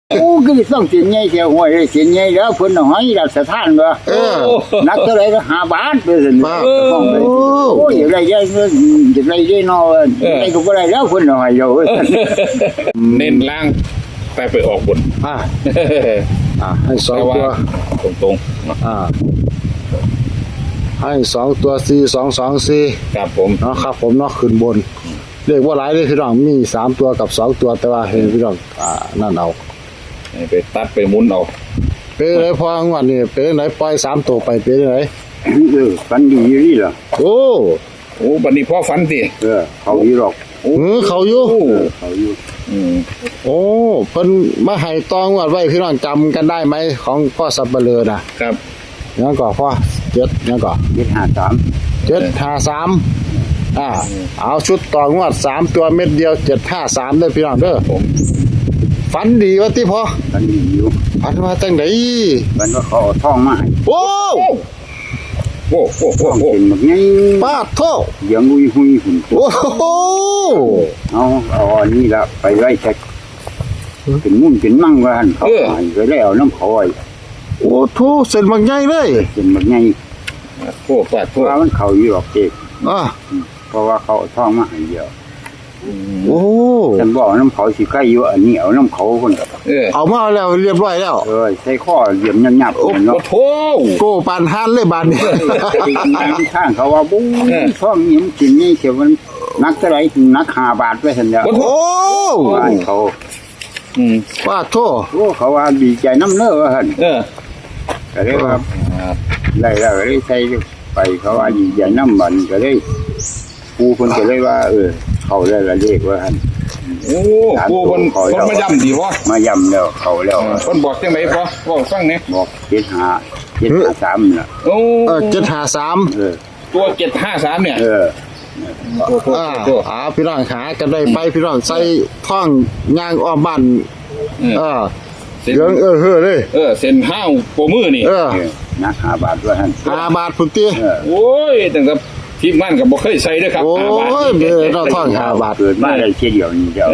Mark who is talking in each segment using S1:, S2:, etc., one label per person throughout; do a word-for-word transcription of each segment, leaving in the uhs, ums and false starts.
S1: โอ้ก็ต้องเสียนใหญ่เสียหัวเลยเสียนใหญ่แล้วเพิ่นหอยรับสถานบ่เออนักเท่าไรก็ห้าบาทไปซั่นห้องไปโอ้ยอะไรใหญ่เงินอะไรใหญ่น้อยอะไรก็บ่ได้แล้วเพิ่นหอยอยู่
S2: เน้นล่างไปไปออกบน
S3: อ่าอ่าให้สองตัว
S2: ตรงๆ
S3: อ่าให้สองตัวสี่สองสองสี่
S2: ครับผม
S3: เนาะครับผมเนาะขึ้นบนเรียกว่าหลายเลยพี่น้องมีสามตัวกับสองตัวแต่ว่าเห็นพี่น้องอ่านั่นเอา
S2: ไปตัดไปหมุนเอา
S3: เป๊ะเลยพองวดนี้เป๊ะไหนปล่อยสามตัวไปเป๊ะไหน
S1: เออฝันดีอยู่นี่ล่ะ
S3: โอ้
S2: โอ้บัดนี้พ่อฝันติ
S1: เออเขาอยู่หรอก
S3: เออเขาอยู่
S1: เขาอยู่
S3: อืมโอ้เพิ่นมาให้ตองวดไว้พี่น้องจำกันได้ไหมของพ่อสับเปลือน่ะ
S2: ครับ
S3: ยังก่อพ่อเจ็ดยังก่อ
S1: เจ็ดห้าสาม
S3: เจ็ดห้าสามอ่าเอาชุดต่องวดสามตัวเม็ดเดียวเจ็ดห้าสามได้พี่น้องเด้อผมฝันดีวะที่พ่อ
S1: ฝันดีอยู่
S3: ฝันมาจังได
S1: ฝันว่าเขาเอาทองมาให้
S3: โอ้
S2: โอ้โอ้โอ้
S1: โอ้เป็นแบบนี้
S3: ป้าโท
S1: ยังหุยหุยหุ่น
S3: โอ้โห
S1: เอาเอาอันนี้ละไปไว้เช็คเป็นมุ่นเป็นมั่งว่าหันเขาหายไปแล้วน้ำเขาไอ้
S3: โอ้ทูเส้นบางใหญ่เลย
S1: เส้นบางใหญ่
S2: โอ้ป้าโท
S1: ว่ามันเขาอยู่หรอกเอก
S3: อ่า
S1: เพราะว่าเขาท่องมาให้เดียว
S3: โอ้
S1: ฉันบอกน้ำเขาสิใกล้อยู่อันนี้เอาน้ำเขาคน
S3: เออเอามาแล้วเรียบร้อยแล้ว
S1: เออใส่ข้อเหลี่ยมยับๆ
S2: โอ้โห
S3: โก้ปานฮันเลยบานนี้
S1: ข้างเขาว่าบุ้งท่องยิ้มกินนี่เขียวมันนักเท่าไรนักห้าบาทไปสัญญา
S3: โอ้
S1: ว่าเขา
S3: ว่าโท
S1: โอ้เขาว่าดีใจน้ำเนื้อว่าหัน
S2: เออ
S1: ก็เลยว่าได้แล้วก็เลยใส่ไปเขาว่าดีใจน้ำมันก็เลยปูคนก็เลยว่าเออเขาได้ละเลขว่าหัน
S2: โอ้ปูคนคนมาย่ำดีวะ
S1: มาย่ำแล้วเขาแล้ว
S2: คนบอกจังไหนพอบอกฟังเนี่ย
S1: บอกเจ็ดห้าเจ็ดห้าสามน่ะ
S2: โอ้
S3: เออเจ็ดห้าสาม
S2: ตัวเจ็ดห้าสามเนี่ย
S1: เออ
S3: อ่าอ่าพี่น้องขากันได้ไปพี่น้องใส่ท่องย่างอ้อมบ้านเออเรื่องเออเฮ้อเลย
S2: เออเส้นห้าวโปมือนี่
S3: เออ
S1: นักห้าบาทด้วยฮะ
S3: ห้าบาทพุ่นตี
S2: โอ้ยตั้งแต่ทีมงานกับบ่เคยใส่ด้วยครับ
S3: โอ้ยเบอร์เราท่องห้าบาท
S1: เกิดมาได้เช่นเดียวนี้เดียว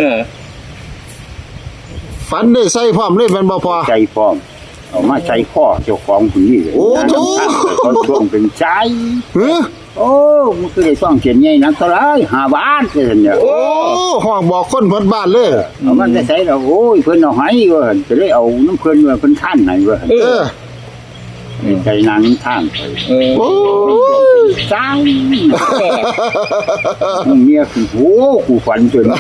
S3: ฝันได้ใส่พร้อมเลยมันบ่พอ
S1: ใส่พร้อมเอามาใส่ข้อเจ้าของคนนี้เลย
S3: โอ้โห
S1: เขาช่วงเป็นใจ
S3: เฮ้อ
S1: โอ้มันคือได้ซ่องเขียนใหญ่นักเท่าไรห้าบาทเลยเนี่ย
S3: โอ้ห้องบอกคนเพิ่นบ้านเลย
S1: เอามันจะใส่แล้วโอ้ยเพิ่นเอาให้เว้ยจะได้เอาน้ำเพิ่นเว้ยเพิ่นท่านไหนเว้ย
S3: เออ
S1: ใจนางท่าน
S3: โอ้
S1: ใจมึงเมียคือโอ้กูฝันจน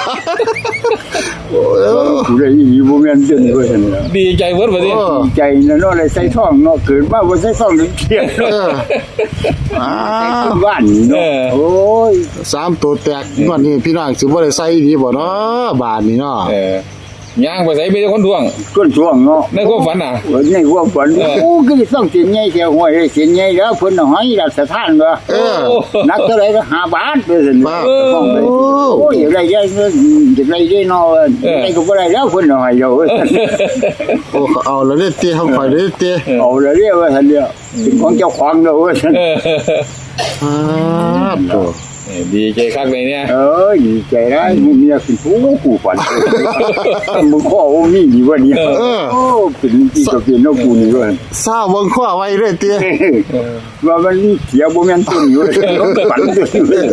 S1: กูได้ยินโมเมนต์จนเว้ย
S2: ดีใจเวิร์ดวันนี้
S1: ดีใจนะเนาะเลยใส่ท่องเนาะเกิดมาว่าใส่ท่องถึงเที่ยง
S3: อ่า
S1: บ้านเนาะโอ้ย
S3: สามตัวแตกวันนี้พี่น้องสิบ่ได้ใส่ดีบ่เนาะบ้านนี้เนาะ
S2: ย่างไปใส่ไปคนทวง
S1: คนทวงเนาะ
S2: ในความฝันอ่ะ
S1: ในความฝันโอ้ก็ต้องเสียนใหญ่เสียหัวเลยเสียนใหญ่แล้วเพิ่นหอยรับสถานบ่
S3: เออ
S1: นักเท่าไรก็ห้าบาทไปซั่นห้องไปโอ้ยอะไรใหญ่เงินอะไรใหญ่น้อยอะไรก็บ่ได้แล้วเพิ่นหอยอยู่
S3: โอ้เอาแล้วเด้ติเฮาค่อยเด้ติ
S1: เอาแล้วเรียกว่าซั่นเด้อเป็นของเจ้าของเด้อว่าซั่น
S3: อ่าโต
S2: ดีใจคักเลยเนี่ย
S1: เออดีใจนะมึงเนี่ยคือผู้กูฝันมึงข้อโอ้นี่ดีว่านี่โอ้เป็นที่จะเป็นนกกูนี่ว่า
S3: ทราบวงข้อไว้เลยเตี้ย
S1: ว่ามันเสียโมเมนต์อยู่เลยฝันเลย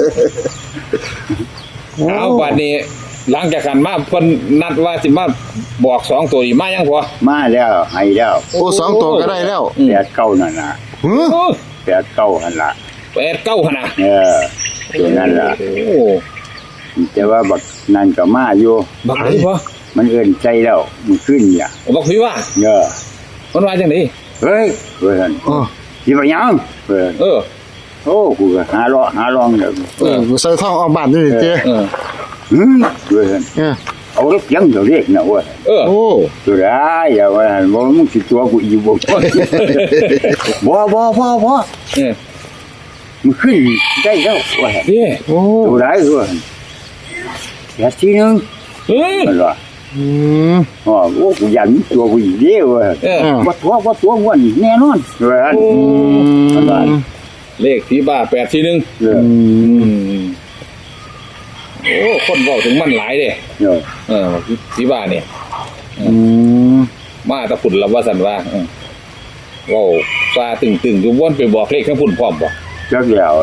S2: เอาบัดนี้หลังจากกันมาเพิ่นนัดว่าสิมาบอกสองตัวอีกมายังพอ
S1: มาแล้วให้แล้ว
S3: โอ้สองตัวก็ได้แล้ว
S1: แปดเก้านั่นน่ะแปดเก้านั่นล่ะ
S2: แปดเก้าขนาด
S1: เออตัวนั่นล่ะโอ้แต่ว่าบักนั่นก็มาอยู่
S2: บักไหนพอ
S1: มันเอิ้นใจแล้วมันขึ้นอย่า
S2: บักพี่ว่า
S1: เออ
S2: มันว่าจังได๋
S1: เฮ้ยเพิ่นอ๋อสิว่าหยังเพิ่น
S2: เออ
S1: โอ้กูก็หาเลาะหาลองเด้อ
S3: เออกูใส่ท่องออกบ้านนี่เตี้ย
S2: เออ
S1: หืมเพิ่นเออเอาเสียงเดี๋ยวเรียกนะว่า
S2: เออ
S3: โอ้
S1: ตัวได้อย่าว่าบ่มึงสิตัวกูอีบ่บ่บ่บ่บ่เออมันขึ้นได้แล้วว่า
S2: เด้
S3: โอ้
S1: ตัวได้ว่าแค่ทีนึง
S2: เออ
S1: มันว่า
S3: อืม
S1: อ๋อโอ้กูยันตัวกูอีเด้อว่า
S2: เออ
S1: บ่ตัวบ่ตัวม่วนแน่นอนว่า
S3: อืม
S2: เลขที่บ้าแปดทีนึง
S1: เออ
S2: โอ้คนบอกถึงมันหลายเด้
S1: เออ
S2: เออที่บ้านเนี่ย
S3: อืม
S2: มาแตะพุ่นละว่าสันว่าเออเว้าซาตึงๆอยู่วนไปบอกเลขทั้งพุ่นพร้อมบ่
S1: จักแล้ว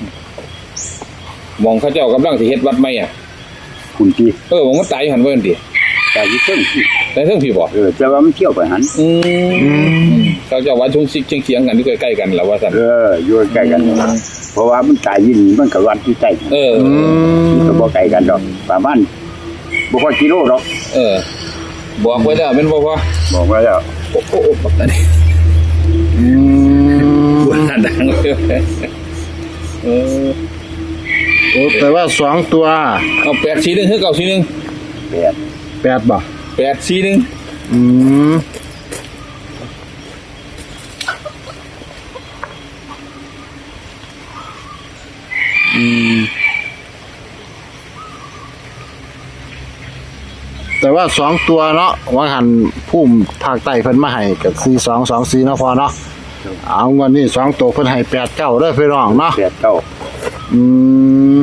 S2: มองเขาเจ้ากำลังสิเฮ็ดวัดใหม่อ่ะ
S1: คุณที่
S2: เออผมมันตายอยู่หั่นเบิ่นติ
S1: แต่ที่เพิ่ง
S2: แต่เทิงพี่บ่
S1: เออแต่ว่ามันเที่ยวไปหัน
S2: อืมเขาเจ้าว่าชงซิกเฉียงๆกันอยู่ใกล้ๆกันล่ะว่าซั่น
S1: เอออยู่ใกล้กันเพราะว่ามันตายยินมันกับวัดที่ใกล้
S2: เออ
S3: อืม
S1: ก็บ่ไกลกันดอกประมาณบ่พอกิโลหรอก
S2: เออบอกไว้แล้วแม่นบ่พ่อ
S1: บอกไว้แล้ว
S2: โอ้โหบักอันนี้
S3: อืม
S2: ว่าดังเลยเออ
S3: โอ้แต่ว่าสองตัว
S2: เอาแปดสี่หนึ่งคือเก้าสี่หนึ่ง
S1: แปด
S3: แปดบ่
S2: แปดสี่หนึ่ง
S3: อืมอืมแต่ว่าสองตัวเนาะว่าหันพุ่มภาคใต้เพิ่นมาให้กับสี่สองสองสี่เนาะพอเนาะเอาเงินนี่สองตัวเพิ่นให้แปดเก้าเด้อพี่น้องเนาะ
S1: แปดเก้า
S3: อืม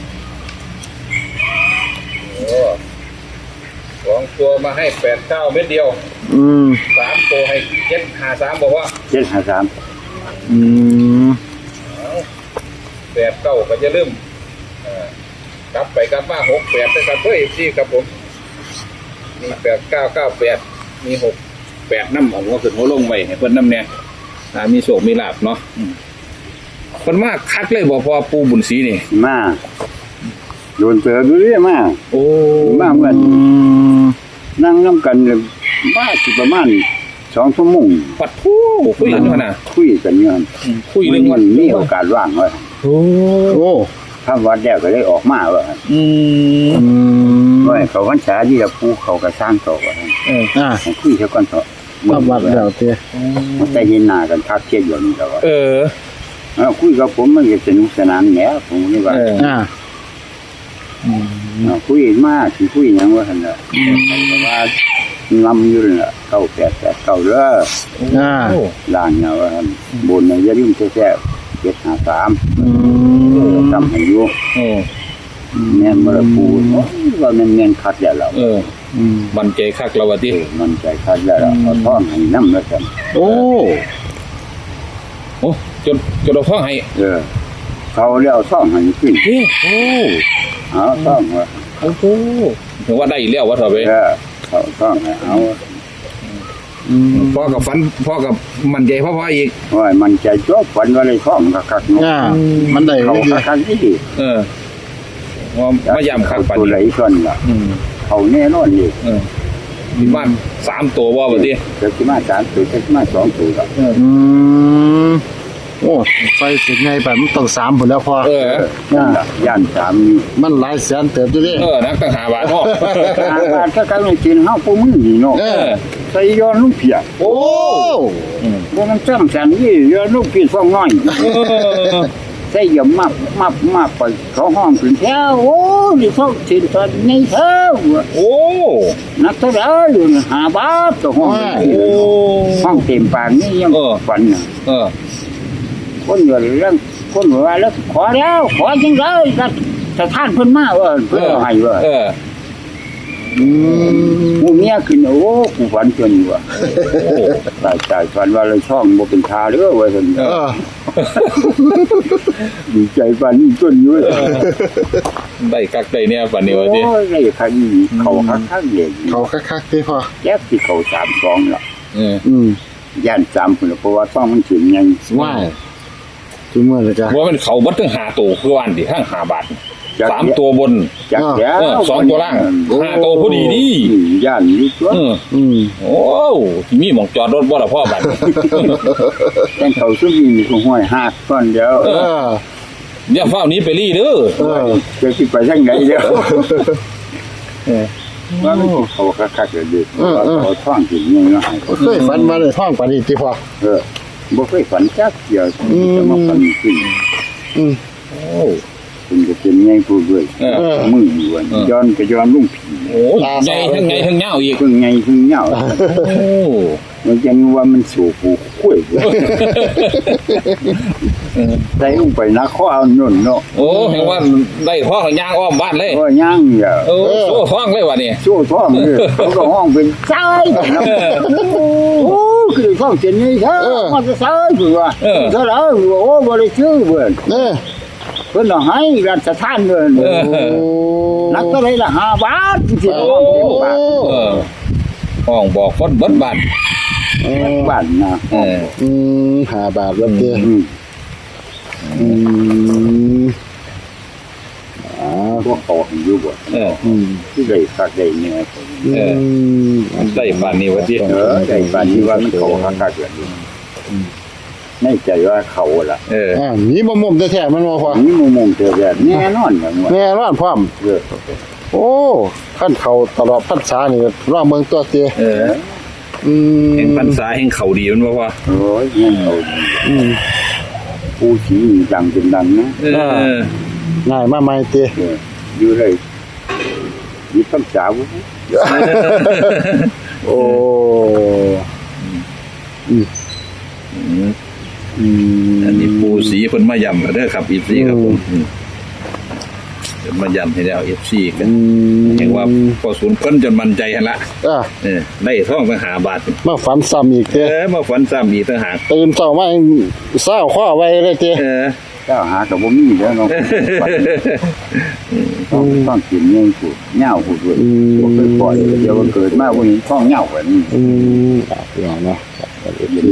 S2: สองตัวมาให้แปดเก้าเม็ดเดียว
S3: อืม
S2: สามตัวให้เจ็ดห้าสามบอกว่า
S1: เจ็ดห้าสาม
S3: อืม
S2: แปดเก้าก็จะลืมเอ่อกลับไปกลับมาหกแปดนะครับเพื่อเอฟซีครับผมมีแปดเก้าเก้าแปดมีหกแปดน้ำของหัวขึ้นหัวลงไปให้เพิ่นน้ำเนี่ยอ่ามีโศกมีลาบเนาะอืมเพิ่นมากคักเลยบอกพอปูบุญศรีนี่
S1: มาโดนเจอดูเรื่อยมา
S2: โอ้
S1: มาเหมือน
S3: อืม
S1: นั่งน้ำกันเลยมาสิประมาณสองชั่วโมง
S2: ปัดทูคุยกันอยู่นะ
S1: คุยกันอยู่หั่น
S2: คุยเรื่อง
S1: มั
S2: วัน
S1: นมีโอกาสว่างว่า
S2: โอ้
S3: โอ้
S1: ถ้าวัดแล้วก็ได้ออกมาว่า
S2: อืม
S3: อืม
S1: ว่าเขาวันษาที่จะปูเขาก็สร้างต่อว่า
S2: เออ
S3: อ่า
S1: ให้คุยเท่ากันเถอะ
S3: มาวัดแล้วเต้
S1: มันจะเห็นหน้ากันทักเทียดอยู่นี่แล้วว่า
S2: เออ
S1: เออคุยกับผมมันก็สนุกสนานแหน่ผมนี่ว่า
S2: เออ
S3: อ่า
S1: เอาคุยมากสิคุยหยังว่าหั่นน่ะแต่ว่าลำอยู่นั่นล่ะเก้าแปดแปดเก้าเด้อ
S3: อ่า
S1: ล่างเนี่ยว่าหั่นบนเนี่ยอย่าลืมแท้ๆเจ็ดห้าสาม
S3: อืม
S1: ทำให้อยู่
S2: โอ้
S1: แม่นบ่ละปูโอ้ยว่าแม่นแม่นคัดแล้วล่ะ
S2: เออ
S3: อืม
S2: มันใจคักแล้ววะติ
S1: มันใจคัดแล้วล่ะเอาท่อนให้นำแล้วกัน
S3: โอ้
S2: โอ้จนจนเราฟ้องให้
S1: เออเขาแล้วท่องให้ขึ้น
S2: เฮ้โอ้
S1: เอาท่องว่า
S2: โอ้โหถึงว่าได้อีกแล้ววะเถอะเว้ย
S1: เออเขาท่องให้เอา
S3: อืม
S2: พ่อกับฟันพ่อกับมันใจพ่อพ่ออีก
S1: ว่ามันใจจบฝันว่าเลยท่องคักๆเนาะ
S3: อ่ามันได้
S1: เขา
S3: ดี
S1: คักๆนี่ดิ
S2: เออว่าไม่ยำคักปัน
S1: ตัวไหล
S2: นี้
S1: ส่วนล่ะ
S2: อืม
S1: เขาแน่นอนดิ
S2: เออมีบ้านสามตัวว่าวะติ
S1: เกิดขึ้นมาสามตัวเกิดขึ้นมาสองตัวแล้ว
S2: เออ
S3: อืมโอ้ไฟสิไงแบบมันต้องสามผลแล้วพอ
S2: เออ
S1: นั่นล่ะย่านสามนี่
S3: มันหลายแสนเติบอยู่ดิ
S2: เออนักตั้งหาบาทพ่อ
S1: อาบาดถ้าการไม่กินเฮาปูมือนี่เนาะ
S2: เออ
S1: ใส่ย้อนลูกเพีย
S3: โอ้
S2: อืม
S1: บ่มันจ้ำสันนี่ย้อนลูกเพียฟองน้อย
S2: เออ
S1: ใส่ยามับมับมับไปเขาห้องขึ้นแถวโอ้ดิเขาสินตอนในเท้า
S2: โอ้
S1: นักเท่าไหร่อยู่น่ะห้าบาทต่อห้อง
S2: โอ้
S1: ห้องเต็มปากนี่ยัง
S2: เออ
S1: ฝันน่ะ
S2: เออ
S1: คนอยู่เรื่องคนว่าแล้วขอแล้วขอจังเลยก็สถานเพิ่นมาว่าเพิ่นเอาให้ว่า
S2: เออ
S3: อืม
S1: หมู่เมียขึ้นโอ้กูฝันจนว่า
S2: โอ้
S1: ตายตายฝันว่าเลยช่องบ่เป็นทาเด้อว่าซั่น
S3: เออ
S1: ดีใจฝันจนอยู่
S2: ได้คักได้เนี่ยปันนี้วะติ
S1: โอ้ยได้คักอีเขาคักๆเลย
S3: เขาคักๆที่พอ
S1: แจ๊กที่เขาสามสองล่ะ
S2: เออ
S3: อืม
S1: ย่านสามพุ่นล่ะเพราะว่าต้องมันถึงยัง
S3: ว่ายจุเมื่อเลยจ้ะ
S2: ว่ามันเขาบัดถึงหาตัวคือวันดิข้างหาบาท
S1: จัก
S2: สามตัวบน
S1: จักแล้ว
S2: เออสองตัวล่างห้าตัวพอดีดิ
S1: ย่านนี่ตัว
S2: เออ
S3: อืม
S2: โอ้มีหมองจอดรถบ่ล่ะพ่อบัด
S1: แต่เขาซุมนี่ก็ห้อยหักก่อนเดียว
S3: เออ
S2: อย่าเฝ้าหนี้ไปรีเด้อ
S3: เออ
S1: จะสิไปทางไหนเด้อ
S2: เออ
S1: ว่ามันสิเขาคักๆเลยเด้อว่าเขาท่องถึงยังให้เขา
S3: เคยฝันมาเลยท่องปานนี้ที่พอ
S1: เออบ่เคยฝันจักเดียว
S3: อืม
S1: จะมาฝันขึ้น
S3: อืม
S2: โอ้
S1: คุณก็เป็นไงผู้ด้วย
S2: เออ
S1: มืออยู่อะย้อนก็ย้อนลุงผี
S2: โหใหญ่ทั้งใหญ่ทั้งยาวอีก
S1: เพิ่งไงเพิ่งเหงา
S2: โอ้
S1: มันยังว่ามันสู่ผู้คุยได้ลงไปนะข้อเอาหนุนเนาะ
S2: โอ้เห็นว่าได้ท้องย่างอ้อมบ้านเลย
S1: ก็ย่างอย่า
S2: โอ้โซ่ท้องเลยวะนี่
S1: สู้ท้องเลยเขาก็ห้องเป็นซ้ายนะโอ้คือท้องเจนนี่ใช่มันจะซ้ายคือว่าเท่าไหร่โอ้บริสุทธิ์เบื่อ
S3: เออ
S1: เพิ่นให้รัชทานเงินนักเท่าไหร่ละห้าบาทที่ห้องเป็นบาท
S2: เออห้องบอกคนเบิดบ้าน
S1: บ้านนะ
S2: เออ
S3: อืมห้าบาทแล้วเตี้ยอืมอ่า
S1: พวกเขาอยู่บ่
S2: เออ
S3: อืม
S1: ที่ได้คักได้เนี่ย
S2: เออ ได้บ้านนี้วะที่
S1: เออได้บ้านนี้ว่ามันเขาคักคักอยู่ในใจว่าเขาล่ะ
S2: เออ
S3: อ่าหนีบ่มุมแท้ๆมันบ่พอ
S1: นี่มุมมุมเจอแบบแน่นอนอย่างว่า
S3: แน่นอนพร้อม
S1: เออ
S3: โอ้ขั้นเขาตลอดพรรษานี่รอบเมืองตัวเตี้ย
S2: เออ
S3: อืม
S2: เห็นพรรษาเห็นเขาดีมันบ่ว่า
S1: โอ้ยเนี่ยเขา
S3: อืม
S1: ผู้ชี้ดังเป็นดังนะ
S2: เออ
S3: ง่ายมาใหม่เตี้ย
S1: เอออยู่เลยมีคำสาว
S3: โอ้อืมอืม
S2: อันนี้ปูสีเพิ่นมาย้ำแล้วเด้อครับอีซีครับผมอืมเพิ่นมาย้ำให้แล้ว เอฟ ซี กัน
S3: อืม
S2: เห็นว่าพอศูนย์เพิ่นจนมั่นใจหั่นละ
S3: อ่ะ
S2: เออได้ท้องไปหาบาท
S3: มาฝันซ้ำอีก
S2: เอ
S3: เตี้ย
S2: อมาฝันซ้ำอีกต่างหาก
S3: ตื่นเช้ามาเศร้าข้อไว้เลยเตี้ย
S2: เออ
S1: เจ้าหากับบ่มีแล้วเนาะต้องต้องกินเงี้ยกูเหงากูด้วยบ่เคยปล่อยเดี๋ยวมันเกิดมาวันนี้ท้องเหงาแบบนี้
S3: อืมอ่ะอย่างเนาะ